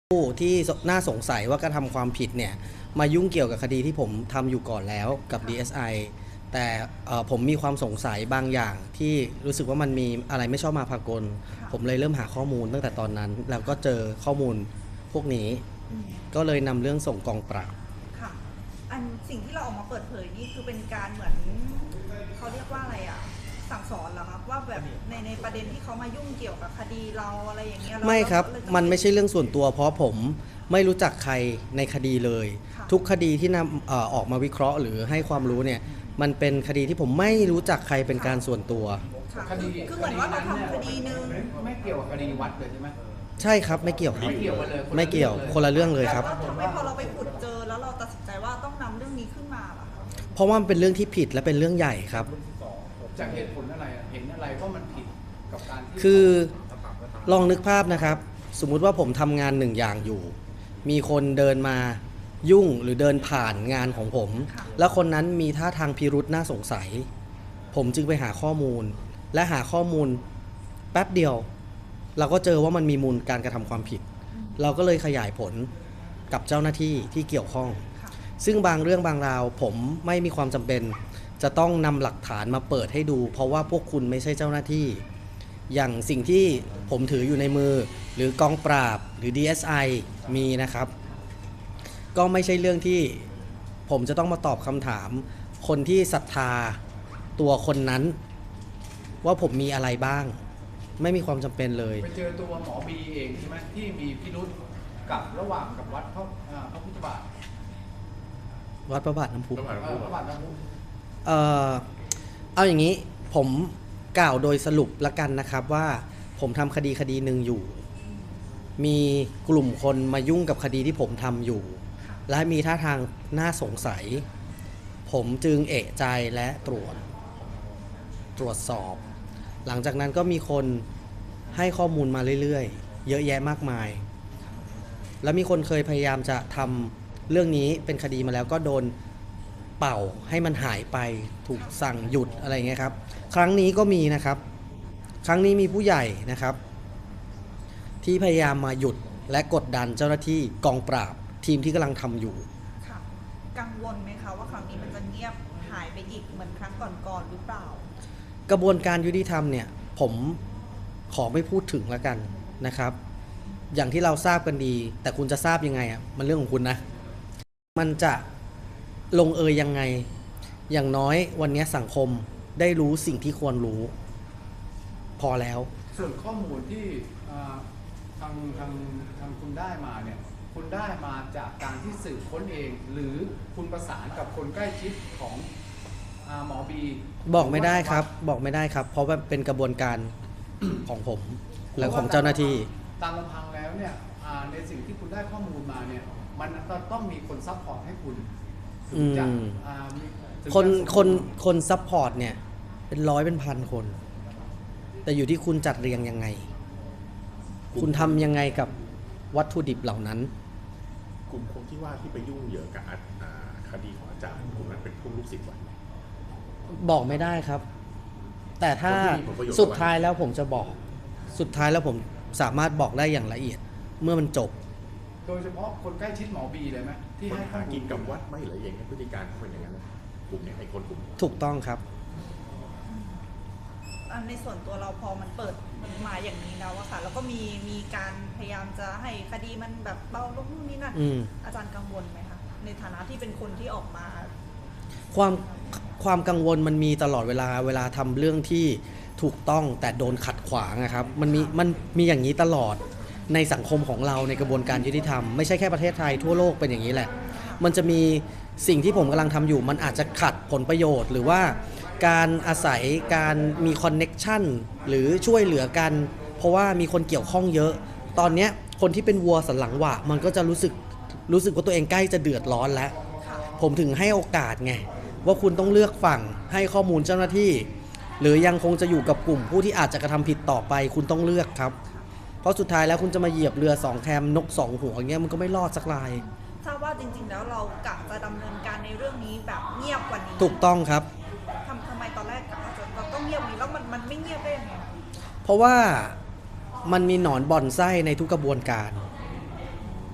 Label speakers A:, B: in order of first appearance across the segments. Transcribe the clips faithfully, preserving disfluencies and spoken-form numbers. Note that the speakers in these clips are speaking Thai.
A: ผู้ที่น่าสงสัยว่ากระทำความผิดเนี่ยมายุ่งเกี่ยวกับคดีที่ผมทำอยู่ก่อนแล้วกับ ดี เอส ไอ แต่ผมมีความสงสัยบางอย่างที่รู้สึกว่ามันมีอะไรไม่ชอบมาพากลผมเลยเริ่มหาข้อมูลตั้งแต่ตอนนั้นแล้วก็เจอข้อมูลพวกนี้ก็เลยนำเรื่องส่งกองปราบ
B: ค่ะอันสิ่งที่เราออกมาเปิดเผยนี่คือเป็นการเหมือนเขาเรียกว่าอะไรอ่ะสั่งสอนเหรอครับว่าแบบในในประเด็นที่เขามายุ่งเกี่ยวกับคดีเราอะไรอย่างเงี้ย
A: ไม่ครับมันไม่ใช่เรื่องส่วนตัวเพราะผมไม่รู้จักใครในคดีเลยทุกคดีที่นำออกมาวิเคราะห์หรือให้ความรู้เนี่ยมันเป็นคดีที่ผมไม่รู้จักใครเป็นการส่วนตัว
B: คดีคือเหมือนว่าเราทำคดีนึง
C: ไม่เกี่ยวกับคดีวัดเลยใช่ไหม
A: ใช่ครับไม่เกี่ยว
C: ไม่เกี่ยวเลย
A: ไม่เกี่ยวคนละเรื่องเลยครับ
B: ทำไมพอเราไปขุดเจอแล้วเราตัดสินใจว่าต้องนำเรื่องนี้ขึ้นมาล่ะ
A: เพราะว่ามันเป็นเรื่องที่ผิดและเป็นเรื่องใหญ่ครับ
C: จากเหตุผลอะไรเห็นอะไรว่ามันผิดกับการที่
A: คือลองนึกภาพนะครับสมมุติว่าผมทำงานหนึ่งอย่างอยู่มีคนเดินมายุ่งหรือเดินผ่านงานของผมแล้วคนนั้นมีท่าทางพิรุษน่าสงสัยผมจึงไปหาข้อมูลและหาข้อมูลแป๊บเดียวเราก็เจอว่ามันมีมูลการกระทำความผิดเราก็เลยขยายผลกับเจ้าหน้าที่ที่เกี่ยวข้องซึ่งบางเรื่องบางราวผมไม่มีความจำเป็นจะต้องนำหลักฐานมาเปิดให้ดูเพราะว่าพวกคุณไม่ใช่เจ้าหน้าที่อย่างสิ่งที่ผมถืออยู่ในมือหรือกองปราบหรือ ดี เอส ไอ มีนะครับก็ไม่ใช่เรื่องที่ผมจะต้องมาตอบคำถามคนที่ศรัทธาตัวคนนั้นว่าผมมีอะไรบ้างไม่มีความจำเป็นเลย
C: ไปเจอตัวหมอบีเองใช่ไหมที่มีพิรุธกับระหว่างกับวัดพระพระพุทธบาท
A: วัดพระบาทน้ำพุ
C: พระบาทน้ำพุ
A: เอ่อเอาอย่างนี้ผมกล่าวโดยสรุปละกันนะครับว่าผมทำคดีคดีหนึ่งอยู่มีกลุ่มคนมายุ่งกับคดีที่ผมทำอยู่และมีท่าทางน่าสงสัยผมจึงเอะใจและตรวจตรวจสอบหลังจากนั้นก็มีคนให้ข้อมูลมาเรื่อยๆเยอะแยะมากมายแล้วมีคนเคยพยายามจะทำเรื่องนี้เป็นคดีมาแล้วก็โดนเป่าให้มันหายไปถูกสั่งหยุดอะไรเงี้ยครับครั้งนี้ก็มีนะครับครั้งนี้มีผู้ใหญ่นะครับที่พยายามมาหยุดและกดดันเจ้าหน้าที่กองปราบทีมที่กำลังทำอยู่
B: ค่ะกังวลไหมคะว่าครั้งนี้มันจะเงียบหายไปอีกเหมือนครั้งก่อนๆหรือเปล่าก
A: ระบวนการยุติธรรมเนี่ยผมขอไม่พูดถึงแล้วกันนะครับอย่างที่เราทราบกันดีแต่คุณจะทราบยังไงอ่ะมันเรื่องของคุณนะมันจะลงเอยยังไงอย่างน้อยวันนี้สังคมได้รู้สิ่งที่ควรรู้พอแล้ว
C: ส่วนข้อมูลที่ทางทางทางคุณได้มาเนี่ยคุณได้มาจากการที่สืบค้นเองหรือคุณประสานกับคนใกล้ชิดของหมอบี
A: บอกไม่ได้ครับบอกไม่ได้ครับเพราะว่าเป็นกระบวนการของผมและของเจ้าหน้าที่
C: ตามลำพังแล้วเนี่ยในสิ่งที่คุณได้ข้อมูลมาเนี่ยมันต้องมีคนซัพพอร์ตให้คุณ
A: คนคนคนซัพพอร์ตเนี่ยเป็นร้อยเป็นพันคนแต่อยู่ที่คุณจัดเรียงยังไงคุณทำยังไงกับวัตถุดิบเหล่านั้น
D: กลุ่มคนที่ว่าที่ไปยุ่งเหยิงกับคดีของอาจารย์กลุ่มนั้นเป็นพวกลูกศิษย์ไหม
A: บอกไม่ได้ครับแต่ถ้าสุดท้ายแล้วผมจะบอกสุดท้ายแล้วผมสามารถบอกได้อย่างละเอียดเมื่อมันจบ
C: โดยเฉพาะคนใกล้ชิดหมอบีเลยไหมที่ให้
D: หากินกับวัดไม่หรือยังพฤติการเขาเป็นอย่างนั้นกลุ่มนี้ไอ้คนกลุ่ม
A: ถูกต้องครับ
B: ในส่วนตัวเราพอมันเปิดมาอย่างนี้แล้วอะค่ะแล้วก็มีมีการพยายามจะให้คดีมันแบบเบาลงนู่นนี่นั่นอาจารย์กังวลไหมคะในฐานะที่เป็นคนที่ออกมา
A: ความความกังวลมันมีตลอดเวลาเวลาทำเรื่องที่ถูกต้องแต่โดนขัดขวางนะครับมันมีมันมีอย่างนี้ตลอดในสังคมของเราในกระบวนการยุติธรรมไม่ใช่แค่ประเทศไทยทั่วโลกเป็นอย่างนี้แหละมันจะมีสิ่งที่ผมกำลังทำอยู่มันอาจจะขัดผลประโยชน์หรือว่าการอาศัยการมีคอนเน็กชันหรือช่วยเหลือกันเพราะว่ามีคนเกี่ยวข้องเยอะตอนนี้คนที่เป็นวัวสันหลังหวะมันก็จะรู้สึกรู้สึกว่าตัวเองใกล้จะเดือดร้อนแล้วผมถึงให้โอกาสไงว่าคุณต้องเลือกฝั่งให้ข้อมูลเจ้าหน้าที่หรือยังคงจะอยู่กับกลุ่มผู้ที่อาจจะกระทำผิดต่อไปคุณต้องเลือกครับเพราะสุดท้ายแล้วคุณจะมาเหยียบเรือสองแคมนกสองหัวอย่างเงี้ยมันก็ไม่รอดสักราย
B: ทราบว่าจริงๆแล้วเรากะจะดำเนินการในเรื่องนี้แบบเงียบกว่านี้
A: ถูกต้องครับ
B: ทำทำไมตอนแรกกะจะเราต้องเงียบนี้แล้วมันมันไม่เงียบได้ยังไง
A: เพราะว่ามันมีหนอนบ่อนไส้ในทุกกระบวนการ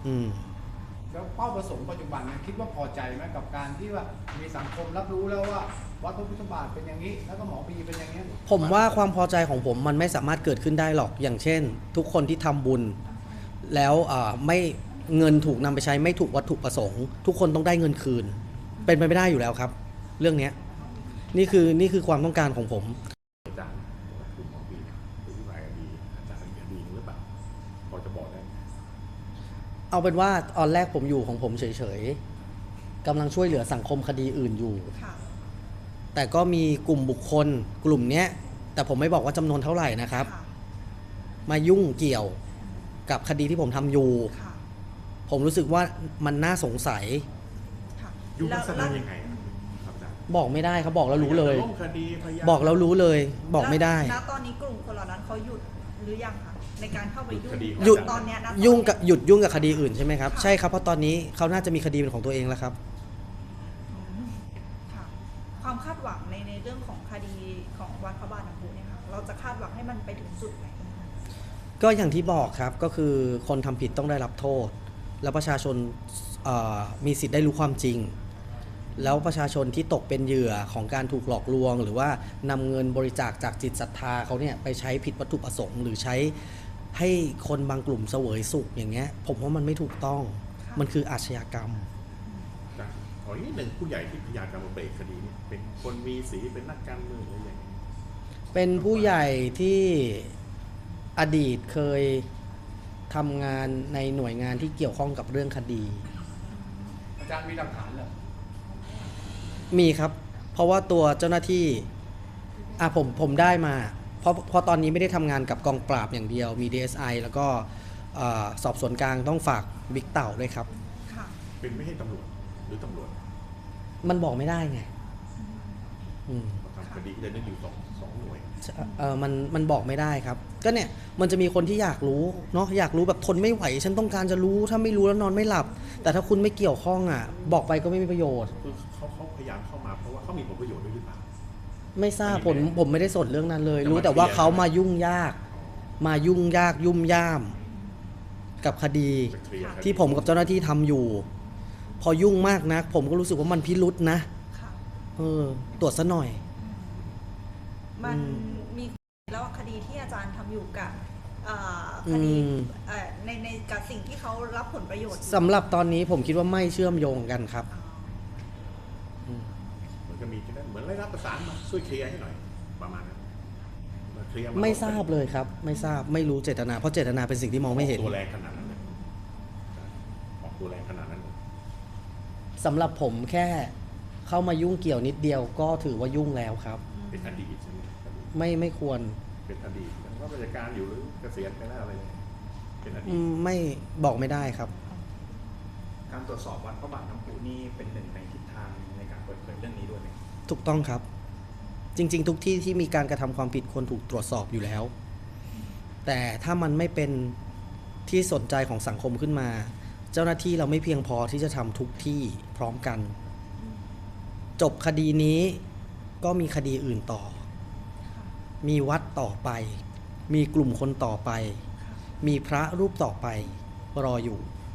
A: อืม
C: แล้วเป้าประสงค์ปัจจุบันเนี่ยคิดว่าพอใจไหมกับการที่ว่ามีสังคมรับรู้แล้วว่าวัดพระพุทธบาทเป็นอย่างนี้ แล้วก็หมอบีเป็นอย่างนี้
A: ผมว่าความพอใจของผมมันไม่สามารถเกิดขึ้นได้หรอกอย่างเช่น ทุกคนที่ทำบุญ แล้วอ่าไม่เงินถูกนำไปใช้ไม่ถูกวัตถุประสงค์ ทุกคนต้องได้เงินคืน เป็นไปไม่ได้อยู่แล้วครับ เรื่องเนี้ยนี่คือนี่คือความต้องการของผม
D: อาจารย์คุณหมอบีหรือที่ไหนดีอาจารย์เป็นคดีหรือเปล่าพอจะบอกได้ไหม
A: เอาเป็นว่าตอนแรกผมอยู่ของผมเฉยๆกำลังช่วยเหลือสังคมคดีอื่นอยู่
B: ค่ะ
A: แต่ก็มีกลุ่มบุคคลกลุ่มเนี้ยแต่ผมไม่บอกว่าจำนวนเท่าไหร่นะครับ
B: ค่ะ
A: มายุ่งเกี่ยวกับคดีที่ผมทำอยู่
B: ค่ะ
A: ผมรู้สึกว่ามันน่าสงสัย
B: ค่ะ
D: ยุ่งลักษณะ
B: แล้ว
D: ยังไงครับอาจารย์
A: บอกไม่ได้ครับบอกแล้วรู้เลย
D: ล้มคดีพยาน
A: บอกแล้วรู้เลย บอกไม่ได้
B: ณตอนนี้กลุ่มคนเหล่านั้นเขาหยุดหรือยังคะในการเข้าไปยุ่ง
A: หยุด
B: ตอนเนี้ยนะตอนนี้
A: ยุ่งกับหยุดยุ่งกับคดีอื่นใช่ไหมครับ
B: ค่ะ
A: ใช่ครับเพราะตอนนี้เขาน่าจะมีคดีเป็นของตัวเองแล้วครับ
B: อืมค่ะ ความคาดหวังในในเรื่องของคดีของวัดพระบาทน้ำพุเนี่ยค่ะเราจะคาดหวังให้มันไปถึงจุดไหน
A: ก็อย่างที่บอกครับก็คือคนทำผิดต้องได้รับโทษ แล้วประชาชนเอ่อมีสิทธิ์ได้รู้ความจริง แล้วประชาชนที่ตกเป็นเหยื่อของการถูกหลอกลวง หรือว่านำเงินบริจาคจากจิตศรัทธาเขาเนี่ยไปใช้ผิดวัตถุประสงค์ หรือใช้ให้คนบางกลุ่มเสวยสุขอย่างเงี้ยผมว่ามันไม่ถูกต้อง
B: ค่ะ
A: มันคืออาชญากรรม
D: นะขออีกหนึ่งผู้ใหญ่ที่พยานการมาเบรกคดีนี้เป็นคนมีสีเป็นนักการเมืองหรือยังไง
A: เป็นผู้ใหญ่ที่อดีตเคยทำงานในหน่วยงานที่เกี่ยวข้องกับเรื่องคดี
C: อาจารย์มีหลักฐานเหรอ
A: มีครับ เพราะว่าตัวเจ้าหน้าที่อ่ะผมผมได้มา เพราะเพราะตอนนี้ไม่ได้ทำงานกับกองปราบอย่างเดียว มี ดี เอส ไอ แล้วก็เอ่อสอบสวนกลางต้องฝากบิ๊กเต่าด้วยครับ
B: ค่ะ
D: เป็นไม่ใช่ตำรวจหรือตำรวจ
A: มันบอกไม่ได้ไงอืม
D: ทำคดีจะนึกอยู่สองสองหน่วย
A: เออมันมันบอกไม่ได้ครับ ก็เนี่ยมันจะมีคนที่อยากรู้เนาะอยากรู้แบบทนไม่ไหว ฉันต้องการจะรู้ถ้าไม่รู้แล้วนอนไม่หลับ แต่ถ้าคุณไม่เกี่ยวข้องอ่ะ บอกไปก็ไม่มีประโยชน์
D: คือเขาเขาพยายามเข้ามาเพราะว่าเขามีผลประโยชน์ด้วยหรือเปล่า
A: ไม่ทราบ
D: ไม่
A: ผม
D: แน่
A: ผมไม่ได้สนเรื่องนั้นเลย
D: แต่
A: รู้
D: มัน
A: แต่ว่า
D: เคลียร์
A: เขามายุ่งยาก มายุ่งยากยุ่มย่าม กับคดี
D: จะเคลียร์คดี
A: ที่ผมกับเจ้าหน้าที่ทำอยู่ พอยุ่งมากนัก ผมก็รู้สึกว่ามันพิรุษนะ
B: ค่ะ
A: เออตรวจซะหน่อย
B: มัน
A: อืม
B: มีแล้วคดีที่อาจารย์ทำอยู่กับเอ่อคดี
A: อืม
B: เอ่อในในกับสิ่งที่เขารับผลประโยชน์อยู่
A: สำหรับตอนนี้ผมคิดว่าไม่เชื่อมโยงกันครับ
B: อ๋อ
D: เหมือนกับมีที่นั่นเหมือนได้รับประสานมาช่วยเคลียร์ให้หน่อยประมาณนั้นมาเคลียร์
A: ไม่ทราบเลยครับ ไม่ทราบไม่รู้เจตนา เพราะเจตนาเป็นสิ่งที่มองไม่เห็น
D: ตัวแรงขนาดนั้นเลยออกตัวแรงขนาดนั้นเลย
A: สำหรับผมแค่เข้ามายุ่งเกี่ยวนิดเดียวก็ถือว่ายุ่งแล้วครับ
D: เป็นอดีตใช่ไหมอดีต
A: ไม่ไม่ควร
D: เป็นอดีตยังรับราชการอยู่หรือเกษียณไปแล้วอะไรเนี่ยเป็นอดี
A: อื
D: ต
A: มไม่บอกไม่ได้ครับ
E: การตรวจสอบวัดพระบาทน้ำพุนี่เป็นหนึ่งในทิศทางในการเปิดเผยเรื่องนี้ด้วยไหม
A: ถูกต้องครับ จริง ๆ ทุกที่ที่มีการกระทำความผิดควรถูกตรวจสอบอยู่แล้ว แต่ถ้ามันไม่เป็นที่สนใจของสังคมขึ้นมา เจ้าหน้าที่เราไม่เพียงพอที่จะทำทุกที่พร้อมกัน จบคดีนี้ก็มีคดีอื่นต่อ
B: ค่ะ
A: มีวัดต่อไป มีกลุ่มคนต่อไป
B: ค่ะ
A: มีพระรูปต่อไปรออยู่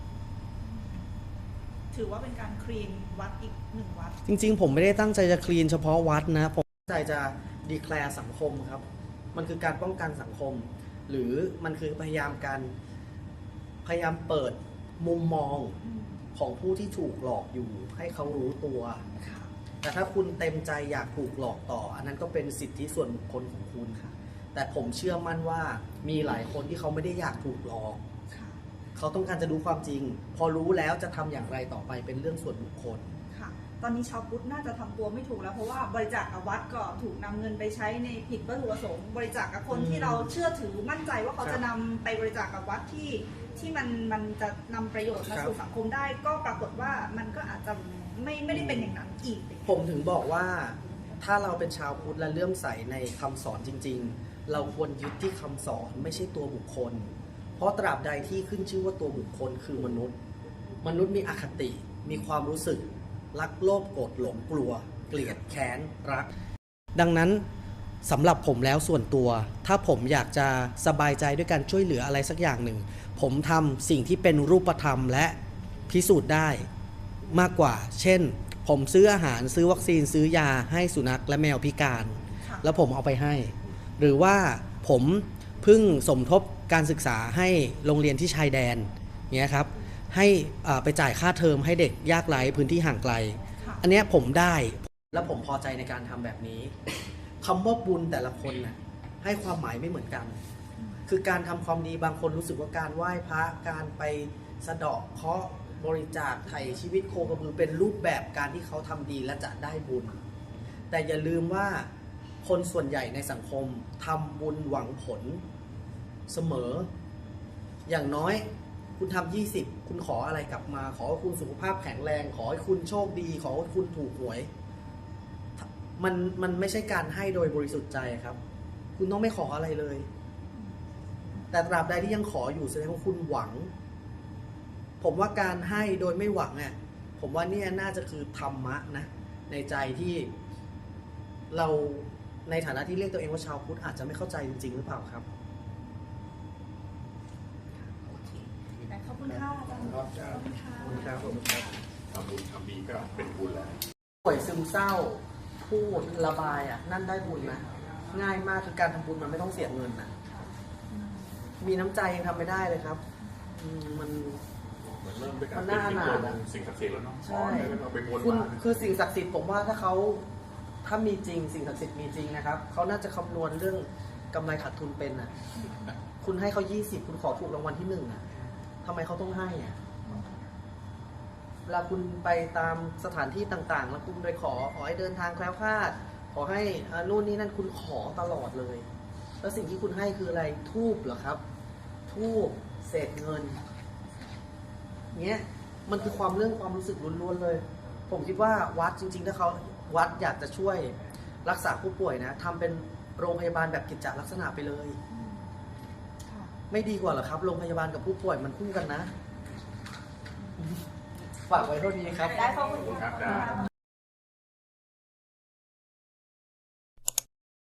B: ถือว่าเป็นการคลีนวัดอีกหนึ่งวัด
A: จริงๆ ผมไม่ได้ตั้งใจจะคลีนเฉพาะวัดนะ ผมตั้งใจจะดีแคลร์สังคมครับ มันคือการป้องกันสังคม หรือมันคือพยายามการพยายามเปิดมุมมองของผู้ที่ถูกหลอกอยู่ ให้เขารู้ตัว
B: ค่ะ
A: แต่ถ้าคุณเต็มใจอยากถูกหลอกต่อ อันนั้นก็เป็นสิทธิส่วนบุคคลของคุณค่ะ แต่ผมเชื่อมั่นว่ามีหลายคนที่เขาไม่ได้อยากถูกหลอก
B: ค่ะ
A: เขาต้องการจะรู้ความจริง พอรู้แล้วจะทำอย่างไรต่อไปเป็นเรื่องส่วนบุคคล
B: ค่ะ ตอนนี้ชาวพุทธน่าจะทำตัวไม่ถูกแล้วเพราะว่าบริจาคกับวัดก็ถูกนำเงินไปใช้ในผิดวัตถุประสงค์บริจาคกับคน
A: อืม
B: ที่เราเชื่อถือมั่นใจว่าเขา
A: ครับ
B: จะนำไปบริจาคกับวัดที่ที่มันมันจะนำประโยชน์มา
A: ครับ
B: สู่สังคมได้ ก็ปรากฏว่ามันก็อาจจะไม่ไม่ได้เป็นอย่างนั้นอีก
A: ผมถึงบอกว่าถ้าเราเป็นชาวพุทธและเลื่อมใสในคำสอนจริง ๆ เราควรยึดที่คำสอนไม่ใช่ตัวบุคคล เพราะตราบใดที่ขึ้นชื่อว่าตัวบุคคลคือมนุษย์ มนุษย์มีอคติ มีความรู้สึก รักโลภโกรธหลงกลัว เกลียดแค้นรัก ดังนั้นสำหรับผมแล้วส่วนตัว ถ้าผมอยากจะสบายใจด้วยการช่วยเหลืออะไรสักอย่างหนึ่ง ผมทำสิ่งที่เป็นรูปธรรมและพิสูจน์ได้มากกว่า เช่น ผมซื้ออาหารซื้อวัคซีนซื้อยาให้สุนัขและแมวพิการ
B: ค่ะ
A: แล้วผมเอาไปให้ หรือว่าผมเพิ่งสมทบการศึกษาให้โรงเรียนที่ชายแดนเนี้ยครับให้อ่าไปจ่ายค่าเทอมให้เด็กยากไร้พื้นที่ห่างไกล
B: ค่ะ
A: อันเนี้ยผมได้และผมพอใจในการทำแบบนี้คำว่าบุญแต่ละคนน่ะให้ความหมายไม่เหมือนกัน คือการทำความดีบางคนรู้สึกว่าการไหว้พระการไปสะเดาะเคราะห์บริจาคไถ่ชีวิตโคกระบือเป็นรูปแบบการที่เขาทำดีและจะได้บุญ แต่อย่าลืมว่าคนส่วนใหญ่ในสังคมทำบุญหวังผลเสมอ อย่างน้อยคุณทำยี่สิบคุณขออะไรกลับมา ขอให้คุณสุขภาพแข็งแรง ขอให้คุณโชคดี ขอให้คุณถูกหวย มันมันไม่ใช่การให้โดยบริสุทธิ์ใจครับ คุณต้องไม่ขออะไรเลย แต่ตราบใดที่ยังขออยู่แสดงว่าคุณหวัง ผมว่าการให้โดยไม่หวังอ่ะผมว่าเนี่ยน่าจะคือธรรมะนะ ในใจที่เราในฐานะที่เรียกตัวเองว่าชาวพุทธอาจจะไม่เข้าใจจริงๆหรือเปล่าครับ
B: โอเคได้ขอบคุณค่ะอาจารย์ขอบคุณค่ะ
A: ขอบคุณครับผมครับ
D: ทำบุญทำดีก็เป็นบุญแล้ว
A: ป่วยซึมเศร้า พูดระบายอ่ะนั่นได้บุญนะง่ายมากคือการทำบุญมันไม่ต้องเสียเงินนะมีน้ำใจยังทำไม่ได้เลยครับอืมมัน
D: เหมือนเริ่มด้วยการ
A: มันน่าอนาถอะ
D: สิ่งศักดิ์สิทธิ์แล้วเนาะ
A: ใช่
D: ขอให้เราไปบน
A: คุณ
D: บาน
A: คือสิ่งศักดิ์สิทธิ์ผมว่าถ้าเขาถ้ามีจริงสิ่งศักดิ์สิทธิ์มีจริงนะครับเขาน่าจะคำนวณเรื่องกำไรขาดทุนเป็นอ่ะ คุณให้เขายี่สิบคุณขอถูกรางวัลที่หนึ่งอ่ะทำไมเขาต้องให้อ่ะเวลาคุณไปตามสถานที่ต่างๆ แล้วคุณไปขอขอให้เดินทางแคล้วคลาด ขอให้อ่านู่นนี่นั่นคุณขอตลอดเลย แล้วสิ่งที่คุณให้คืออะไรทูบเหรอครับ ทูบเศษเงินเนี้ยมันคือความเรื่องความรู้สึกล้วนๆเลย ผมคิดว่าวัดจริงๆถ้าเขาวัดอยากจะช่วยรักษาผู้ป่วยนะทำเป็นโรงพยาบาลแบบกิจจลักษณะไปเลย
B: ค่ะ
A: ไม่ดีกว่าเหรอครับ โรงพยาบาลกับผู้ป่วยมันคู่กันนะ ฝากไว้เท่านี้ครับ
B: ได้ขอบคุณ
D: ครั
B: ค่ะ
D: บได้